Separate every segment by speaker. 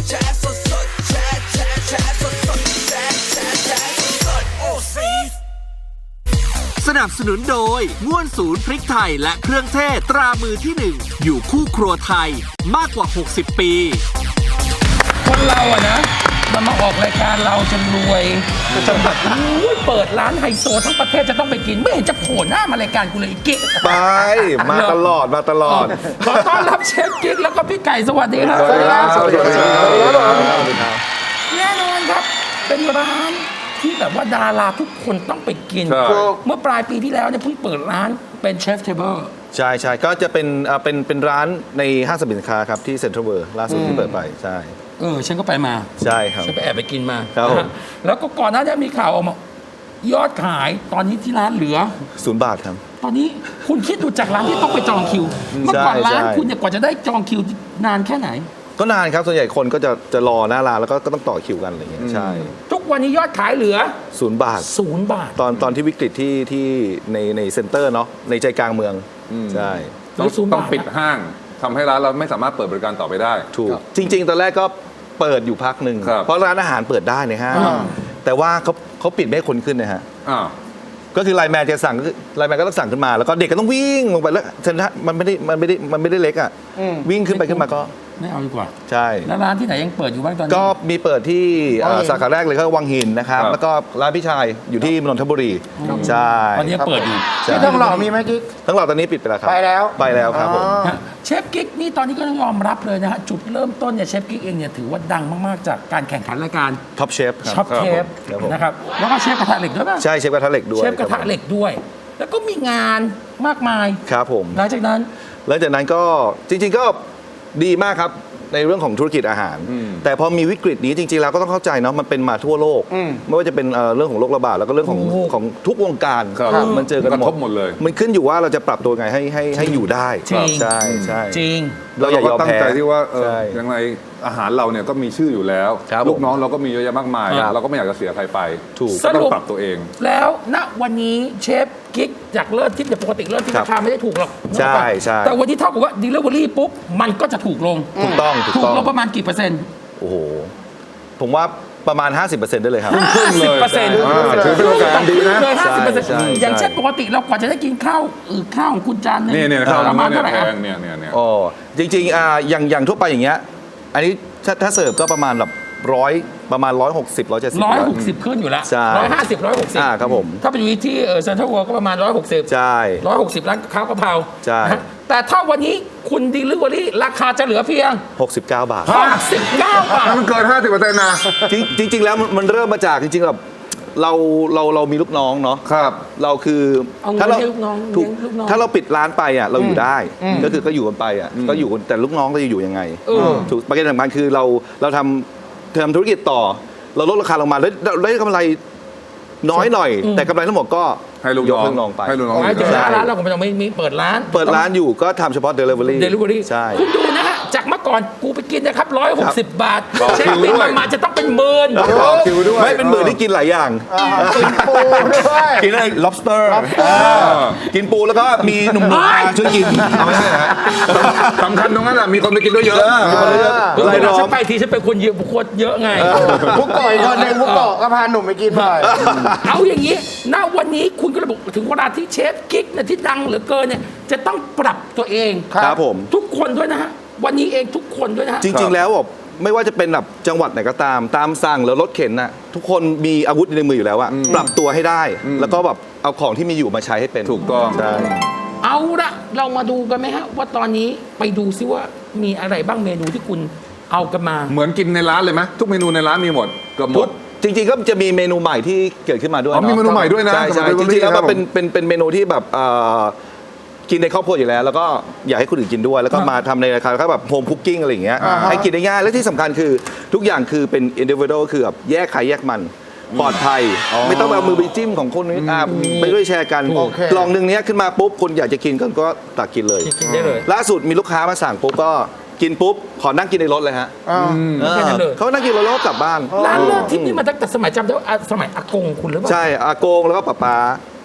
Speaker 1: แชร์สดแชร์แชร์สดแชร์สดโอ้ซี
Speaker 2: สนับสนุนโดยง่วนศูนย์พริกไทยและเครื่องเทศตรามือที่ 1 อยู่คู่ครัวไทยมากกว่า 60 ปี
Speaker 3: คนเราอะนะมันมาออกรายการเราจนรวยจนแบบเปิดร้านไฮโซทั้งประเทศจะต้องไปกินไม่เห็นจะโผล่หน้ามารายการกูเลยอีกกิ๊ก
Speaker 4: ไปมาตลอด
Speaker 3: ขอต้อนรับเชฟกิ๊กแล้วก็พี่ไก่สวัสดีครับ
Speaker 4: สวัสดีครับสวัสดีครับ
Speaker 3: แน่นอนครับเป็นร้านที่แบบว่าดาราทุกคนต้องไปกิน เมื่อปลายปีที่แล้วเนี่ยเพิ่งเปิดร้านเป็นเชฟเทเบิล
Speaker 4: ใช่ก็จะเป็นร้านในห้างสรรพสินค้าครับที่เซ็นทรัลเวิลด์ล่าสุดที่เปิดไปใช่
Speaker 3: ฉันก็ไปมา
Speaker 4: ใช่ครับ
Speaker 3: ฉันไปแอบไปกินมา
Speaker 4: ครับผม
Speaker 3: แล้วก็ก่อนหน้านี้มีข่าวออกมายอดขายตอนนี้ที่ร้านเหลือ
Speaker 4: 0 บาทครับ
Speaker 3: ตอนนี้คุณคิดดูจากร้านที่ต้องไปจองคิวเมื่อก่อนร้านคุณเนี่ยกว่าจะได้จองคิวนานแค่ไหน
Speaker 4: ก็นานครับส่วนใหญ่คนก็จะรอหน้าร้านแล้วก็ต้องต่อคิวกันอะไรอย่างเงี้ยใช่
Speaker 3: ทุกวันนี้ยอดขายเหลือ
Speaker 4: 0 บาทตอนที่วิกฤตที่ในเซ็นเตอร์เนาะในใจกลางเมืองใช่
Speaker 5: ต้องปิดห้างทำให้ร้านเราไม่สามารถเปิดบริการต่อไปได้
Speaker 4: ถูกจริงๆตอนแรกก็เปิดอยู่พักหนึ่งเพราะร้านอาหารเปิดได้ในห้างแต่ว่าเขาปิดไม่ให้คนขึ้นนะฮะก็คือไลน์แมนจะสั่งไลน์แมนก็ต้องสั่งขึ้นมาแล้วก็เด็กก็ต้องวิ่งลงไปแล้วมันไม่ได้เล็กอ่ะวิ่งขึ้นมาก็
Speaker 3: ไม่เอาดีกว่า
Speaker 4: ใช่
Speaker 3: แล้วร้านที่ไหนยังเปิดอยู่บ้างตอนนี้
Speaker 4: ก็มีเปิดที่สาขาแรกเลยก็วังหินนะครับแล้วก็ร้านพี่ชายอยู่ที่นนทบุรีใช่
Speaker 3: ตอนนี้เปิดอยู่
Speaker 6: ที่ทองหล่อมีไหมกิ๊ก
Speaker 4: ทองหล่อตอนนี้ปิดไปแล้วครับ
Speaker 6: ไปแล้ว
Speaker 4: ครับผม
Speaker 3: เชฟกิ๊กนี่ตอนนี้ก็ต้องยอมรับเลยนะฮะจุดเริ่มต้นเนี่ยเชฟกิ๊กเองเนี่ยถือว่าดังมากๆจากการแข่งขันรายการ
Speaker 4: ท็อปเชฟ
Speaker 3: นะครับแล้วก็เชฟกระทะเหล็กด้วยป่ะ
Speaker 4: ใช่เชฟกระทะเหล็กด้วย
Speaker 3: เชฟกระทะเหล็กด้วยแล้วก็มีงานมากมาย
Speaker 4: ครับผม
Speaker 3: หลังจากนั้น
Speaker 4: ก็จริงๆก็ดีมากครับในเรื่องของธุรกิจอาหารแต่พอมีวิกฤตนี้จริงๆแล้วก็ต้องเข้าใจเนาะมันเป็นมาทั่วโลกไม่ว่าจะเป็นเรื่องของโรคระบาดแล้วก็เรื่องของทุกวงการมันเจอกันหมด
Speaker 5: เลย
Speaker 4: มันขึ้นอยู่ว่าเราจะปรับตัวไงให้อยู่ได้ใช่
Speaker 3: จริง
Speaker 4: เราอย่ายอมแพ้
Speaker 5: ตั้งใจที่ว่ายังไงอาหารเราเนี่ยก็มีชื่ออยู่แล้วลูกน้องเราก็มีเยอะแยะมากมายเราก็ไม่อยากจะเสียใครไป
Speaker 4: ถูก
Speaker 5: ต้องปรับตัวเอง
Speaker 3: แล้วณวันนี้เชฟกิ๊กจากเลิศทิพย์เนี่ยปกติเลิศทิพย์ราคาไม่ได้ถูกหรอก
Speaker 4: ใช่
Speaker 3: แต่วันนี้เท่ากับว่า delivery ปุ๊บมันก็จะถูกลง
Speaker 4: ถูกต้อง
Speaker 3: ลงประมาณกี่เปอร์เซ็นต์
Speaker 4: โอ้โหผมว่าประมาณ 50% ได้เลยครับ
Speaker 3: 50%ถือ
Speaker 5: เป็นโอกาสดีนะ
Speaker 3: เลย 50% อย่างเช่นปกติเรากว่าจะได้กินข้าวของคุณจานนึง
Speaker 5: เนี่ยข้าว
Speaker 3: ประมาณเท่าไหร่
Speaker 5: เนี่ย
Speaker 4: อ๋อจริงๆอย่างทั่วไปอย่างเงี้ยอันนี้ถ้าเสิร์ฟก็ประมาณแบบประมาณ160 170
Speaker 3: ขึ้นอยู่แล้ว150 160
Speaker 4: ครับผม
Speaker 3: ถ้าไปอยู่ที่เซ็นทรัลเวิลด์ก็ประมาณ160
Speaker 4: ใช่
Speaker 3: 160ร้านข้าวกะเพรา
Speaker 4: ใช่
Speaker 3: แต่ถ้าวันนี้คุณดิลิเวอรี่ราคาจะเหลือเพียง
Speaker 4: 69 บาท
Speaker 5: มันเกิน 50% นะ
Speaker 4: จริงๆแล้วมันเริ่มมาจากจริงๆแบบเรามีลูกน้องเนาะ
Speaker 5: ครับ
Speaker 4: เราคือ
Speaker 3: ถ้า
Speaker 4: เราปิดร้านไปอ่ะเราอยู่ได้ก็อยู่กันไปอ่ะก็อยู่แต่ลูกน้องเราจะอยู่ยังไงถูกประเด็นสำคัญคือเราทำธุรกิจต่อเราลดราคาลงมาแล้วได้กำไรน้อยหน่อยแต่กำไรทั้งหมดก็
Speaker 5: ให้ลูกน้อง
Speaker 4: ไป
Speaker 5: ให้ลูกน้อง
Speaker 3: ร้านเราก็ไม่ต้องมีเปิดร้าน
Speaker 4: อยู่ก็ทำเฉพาะ delivery ใช่
Speaker 3: คุณดูนะฮะจากเมื่อก่อนกูไปกินนะครับ160 บาทเช็คบิลมาจะต้องเป็นหมื่น
Speaker 4: ไม่เป็นหมื่นที่กินหลายอย่าง
Speaker 6: กินปูด้วย
Speaker 4: กินอะไร lobster กินปูแล้วก็มีหนุ่มๆช่วยกินเอาไม่ใช่ฮะ
Speaker 5: สำคัญตรงนั้นแหละมีคนไปกินด้วยเยอะ
Speaker 3: อะไรรอฉันไปทีฉันเป็นคนเยอะบุคคลเยอะไง
Speaker 6: พวกก่อยคนนึงพวกก่อก็พาหนุ่มไปกินบ่อย
Speaker 3: เอาอย่างนี้ณวันนี้คุณก็ระบุถึงเวลาที่เชฟกิ๊กที่ดังเหลือเกินเนี่ยจะต้องปรับตัวเอง
Speaker 4: ครับผม
Speaker 3: ทุกคนด้วยนะฮะวันนี้เองทุกคนด้วยนะ
Speaker 4: จริงๆแล้วไม่ว่าจะเป็นแบบจังหวัดไหนก็ตามสั่งหรือรถเข็นน่ะทุกคนมีอาวุธในมืออยู่แล้วอะปรับตัวให้ได้แล้วก็แบบเอาของที่มีอยู่มาใช้ให้เป็น
Speaker 5: ถูกต้อง
Speaker 4: ใช่
Speaker 3: เอาละเรามาดูกันไหมฮะว่าตอนนี้ไปดูซิว่ามีอะไรบ้างเมนูที่คุณเอากันมา
Speaker 5: เหมือนกินในร้านเลยไหมทุกเมนูในร้านมีหมดเกือบหมด
Speaker 4: จริงๆก็จะมีเมนูใหม่ที่เกิดขึ้นมาด้วย
Speaker 5: มีเมนูใหม่ด้วยนะ
Speaker 4: ใช่จริงๆแล้วมันเป็นเมนูที่แบบกินในครอบครัวอยู่แล้วแล้วก็อยากให้คนอื่นกินด้วยแล้วก็มาทำในราคาแบบโฮมคุกกิ้งอะไรอย่างเงี้ยให้กินได้ง่ายและที่สำคัญคือทุกอย่างคือเป็นอินดิวิโดคือแบบแยกใครแยกมันปลอดภัยไม่ต้องเอามือไปจิ้มของคนนี้ไปด้วยแชร์กันกล่องนึงเนี้ยขึ้นมาปุ๊บคนอยากจะกินก็ตักกินเลยล่าสุดมีลูกค้ามาสั่งปุ๊บก็กินปุ๊บขอนั่งกินในรถเลยฮะเขานั่งกินรถแล้วก็กลับบ้าน
Speaker 3: ร้านเลิศทิพย์นี่มาตั้งแต่สมัยจำได้สมัยอากงคุณหรือเปล่า
Speaker 4: ใช่อากงแล้วก็ป้า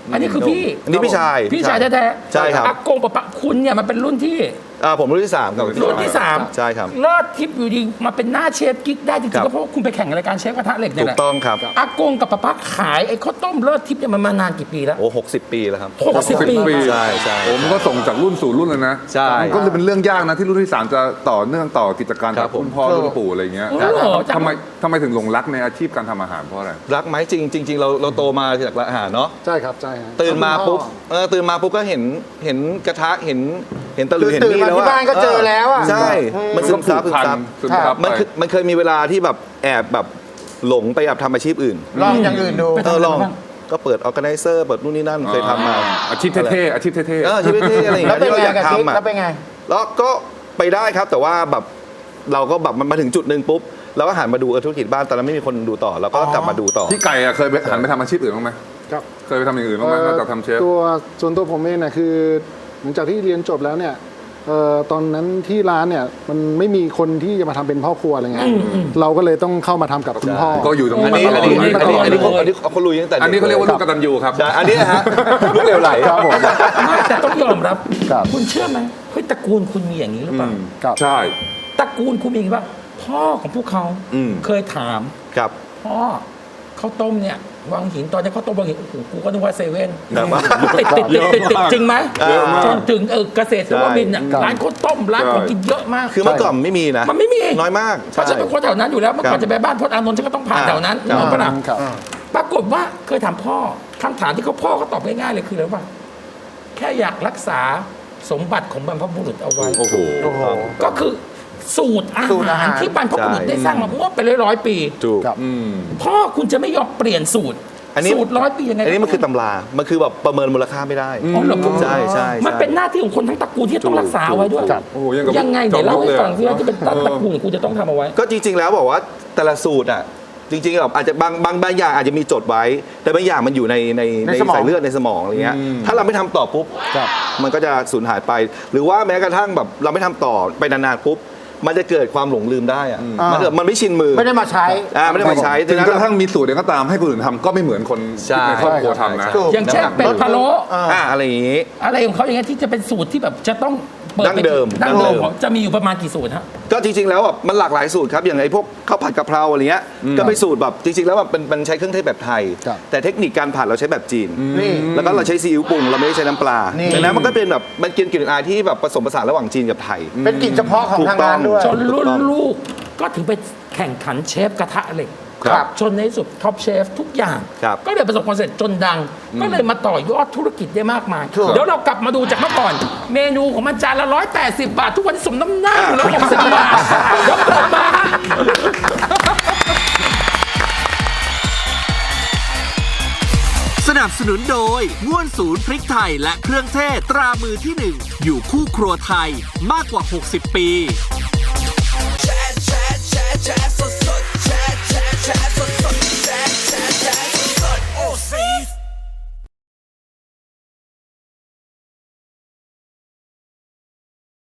Speaker 3: อันนี้คือพี่
Speaker 4: อันนี้พี่ชาย
Speaker 3: พี่ชายแท้ๆ
Speaker 4: ใช่ครับ
Speaker 3: อากงปะปะคุณเนี่ยมันเป็นรุ่นที่
Speaker 4: ผมรุ่นที่ 3 กับ
Speaker 3: รุ่นที่สาม
Speaker 4: ใช่ครับ
Speaker 3: เลิศทิพย์อยู่ดีมาเป็นหน้าเชฟกิ๊กได้จริ
Speaker 4: ครั
Speaker 3: งๆ
Speaker 4: บ
Speaker 3: ก็เพราะว่าคุณไปแข่งรายการเชฟกระทะเหล็กเนี่
Speaker 4: ถู
Speaker 3: ยแห
Speaker 4: ก
Speaker 3: ละ
Speaker 4: ต้องครับ
Speaker 3: อากงกับปะปะขายไอ้ข้าวต้มเลิศทิพย์เนี่ยมันมานานกี่ปีแล้ว
Speaker 4: โอ้60 ปีแล้วครับ
Speaker 3: 60 ปี
Speaker 4: ใช่ใช่
Speaker 5: ผมก็ส่งจากรุ่นสู่รุ่นเลยนะ
Speaker 4: ใช่
Speaker 5: มันก็เลยเป็นเรื่องยากนะที่รุ่นที่ 3 จะต่อเนื่องต่อกิจการ
Speaker 4: ครั
Speaker 5: จาก
Speaker 4: บผม
Speaker 5: รุ่นพ่อรุ่นปู่อะไรเงี้ย
Speaker 3: โอ้โห
Speaker 5: ทำไมถึงหลงรักในอาชีพการทำอาหารเพราะอะไร
Speaker 4: รักไหมจริงเราโตมาจากร้านอาหารเนาะ
Speaker 7: ใช่ครับใช่ฮะ
Speaker 4: ตื่นมาปุ๊บตื่นมาปุ๊บก็เห็นกระทะเห็นตะหลิวเห็น
Speaker 6: ตื่น
Speaker 4: มีด
Speaker 6: มา
Speaker 4: แล้ว
Speaker 6: ที่บ้านก็เจอแล้วอะ
Speaker 4: ใช่ มันซึมซับ
Speaker 5: ซึมซับ
Speaker 4: มันเคยมีเวลาที่แบบแอบแบบหลงไปแบบทำอาชีพอื่น
Speaker 6: ลองอย่างอื่นดู
Speaker 3: ไปทำอะไร
Speaker 4: ลอง
Speaker 3: บ้าง
Speaker 4: ก็เปิดออร์แกไนเซอร์เปิดนู่นนี่นั่นเคยทำมา
Speaker 5: อาชีพเท่ๆอาชีพเท่
Speaker 4: อาชีพเท่ๆอะไรอย่าง
Speaker 6: แล้ว
Speaker 4: เงี้ย
Speaker 6: เป็น
Speaker 4: ที่เรา
Speaker 6: ไง
Speaker 4: อยาก
Speaker 6: กับกิ๊ก
Speaker 4: ทำอ่ะ
Speaker 6: แล้วเป็นไง
Speaker 4: แล้วก็ไปได้ครับแต่ว่าแบบเราก็แบบมันมาถึงจุดหนึ่งปุ๊บเราก็หันมาดูธุรกิจบ้านตอนนั้นไม่มีคนดูต่อเราก็กลับมาดูต่อ
Speaker 5: ๆพี่ไก่อะเคยไปหันไปทำอาชีพอื่นบ้างไหม
Speaker 7: ครับ
Speaker 5: เคยไปทำอย่างอื่นบ้างไหมนอกจากทำเชฟ
Speaker 7: ส่วนตัวผมเองเนี่ยคือหลังจากที่เรียนจบแล้วเนี่ยตอนนั้นที่ร้านเนี่ยมันไม่มีคนที่จะมาทำเป็นพ่อครัวอะไรเงี้ยเราก็เลยต้องเข้ามาทำกับคุณพ่อ
Speaker 5: ก็อยู่ตรง
Speaker 4: อัน
Speaker 5: นี้
Speaker 4: นี้
Speaker 5: มาต
Speaker 4: อัน
Speaker 5: ลอ
Speaker 4: นี้
Speaker 5: ด
Speaker 4: อันนี้เขาลุยตั้งแต่
Speaker 5: อันนี้เขาเรียกว่าลูกกตัญญูครับ
Speaker 4: ใช่อันนี้นะฮะลูกเหลวไหล
Speaker 7: ครับผม
Speaker 3: ไม่แต่ต้องยอมรับ
Speaker 7: ครับ
Speaker 3: คุณเชื่อไหมเฮ้ยตระกูลคุณมีอย่างนี้หรือเปล่า
Speaker 7: ครับ
Speaker 5: ใช่
Speaker 3: ตระกูลคุณมีอย่างนี้ป่ะพ่อของพวกเขา
Speaker 4: อืม
Speaker 3: เคยถาม
Speaker 4: ครับ
Speaker 3: พ่อข้าวต้มเนี่ยวังหินตอนนี้ข้าวต้มวังหินโอ้โหกูก็นึกว่าเซเว่น
Speaker 4: ครับ
Speaker 3: ติดจริงไหม
Speaker 4: เยอะมาก
Speaker 3: จนถึงเกษตรนวมินทร์น่ะ
Speaker 7: ใช่
Speaker 3: ร้านข้าวต้มร้านของกินเยอะมาก
Speaker 4: คือเมื่อก่อนไม่มีนะ
Speaker 3: มันไม่มี
Speaker 4: น้อยมาก
Speaker 3: เพราะฉันเป็นคนแถวนั้นอยู่แล้วเมื่อก่อนจะไปบ้านพจน์อานนท์ฉันก็ต้องผ่านแถวนั้น
Speaker 4: ครับ
Speaker 3: นึกออกปะล่ะ
Speaker 7: ครับ
Speaker 3: ปรากฏว่าเคยถามพ่อคำถามที่พ่อเขาตอบง่ายๆเลยคืออะไรว่าแค่อยากรักษาสมบัติของบรรพบุรุษเอาไว้
Speaker 5: โอ้โห
Speaker 6: โอ้โห
Speaker 3: ก็คือสูตรอา
Speaker 6: สูตรอา
Speaker 3: หาร
Speaker 6: หาร
Speaker 3: ที่บรรพบุรุษได้สร้างมาเมื่อเป็นร้อยๆปี
Speaker 4: ถูก
Speaker 7: ครับ
Speaker 3: พ่อคุณจะไม่ยอมเปลี่ยนสูตร
Speaker 4: อันนี้
Speaker 3: สูตร100 ปียังไง
Speaker 4: อันนี้มันคือตำรา มันคือแบบประเมินมูลค่าไม่ได้
Speaker 3: อ๋อเหรอ
Speaker 4: ใช่ใช่
Speaker 3: มันเป็นหน้าที่ของคนทั้งตระกูลที่จะต้องรักษาเอาไว้ด้วย
Speaker 7: ครับ
Speaker 5: โอ้โหยังกับ
Speaker 3: ยังไงเดี๋ยวเล่าให้ฟังซิ
Speaker 5: จอมยุทธเลย
Speaker 3: ว่าที่เป็นตระกูลของคุณจะต้องทำเอาไว้
Speaker 4: ก็จริง ๆ แล้วบอกว่าแต่ละสูตรอ่ะจริงๆแบบอาจจะบางอย่างอาจจะมีจดไว้ แต่บางอย่างมันอยู่ใน
Speaker 6: ในสมอง
Speaker 4: สายเลือดในสมองอะไรเงี้ยถ้าเราไม่ทำต่อปุ๊บ
Speaker 7: ครับ
Speaker 4: มันก็จะสูญหายไป หรือว่าแม้กระทั่งแบบเราไม่ทำต่อไปนานๆปุ๊บมันจะเกิดความหลงลืมได้อะมันไม่ชินมือ
Speaker 6: ไม่ได้มาใช้
Speaker 4: ไม่ได้มาใช้
Speaker 5: ถึง
Speaker 4: ดัง
Speaker 5: ก
Speaker 4: นั้น
Speaker 5: ระทั่งมีสูตรเองก็ตามให้คนอื่นทำก็ไม่เหมือนคน
Speaker 4: ใช่
Speaker 5: ในครอบครัวทำนะ
Speaker 6: ถูก
Speaker 3: อย่างเช่นเป็ดพะโล้
Speaker 4: อะไรอย่างงี้
Speaker 3: อะไรของเขาอย่างเงี้ยที่จะเป็นสูตรที่แบบจะต้องปิ
Speaker 4: ดั้งเดิม
Speaker 3: ดั้งเดิม
Speaker 4: ดั้งเดิม
Speaker 3: ของจะมีอยู่ประมาณกี่สูตรฮะ
Speaker 4: ก็จริงๆแล้วแบบมันหลากหลายสูตรครับอย่างไอ้พวกข้าวผัดกะเพราอะไรเงี้ยก็เป็นสูตรแบบจริงๆแล้วแบบมันใช้เครื่องเทศแบบไทย
Speaker 7: ครับ
Speaker 4: แต่เทคนิคการผัดเราใช้แบบจีน
Speaker 6: นี่
Speaker 4: แล้วก็เราใช้ซีอิ๊วปรุงเราไม่ได้ใช้น้ำปลา
Speaker 6: นี่
Speaker 4: ดังนั้นมันก็เป็นแบบมันกินกลิ่นอายที่แบบผสมผสานระหว่างจีนกับไทย
Speaker 6: เป็นกลิ่นเฉพาะของทางร้านด้วย
Speaker 3: จนรุ่นลูกก็ถึงไปแข่งขันเชฟกระทะเหล็ก
Speaker 6: ครับ
Speaker 3: จนในที่สุดท็อปเชฟทุกอย่าง
Speaker 4: ครับ
Speaker 3: ก็เลยประสบความสำเร็จจนดัง ก็เลยมาต่อยอดธุรกิจได้มากมาย
Speaker 6: ถูก
Speaker 3: เดี๋ยวเรากลับมาดูจากเมื่อก่อน เมนูของมันจานละ180 บาท ทุกวันนี้สมน้ำหน้าอยู่แล้ว60 บาทเดี๋ยวกลับมาฮะ
Speaker 2: สนับสนุนโดยง่วนศูนย์พริกไทยและเครื่องเทศตรามือที่ 1 อยู่คู่ครัวไทยมากกว่า 60 ปี
Speaker 1: Chat, chat, chat, chat, so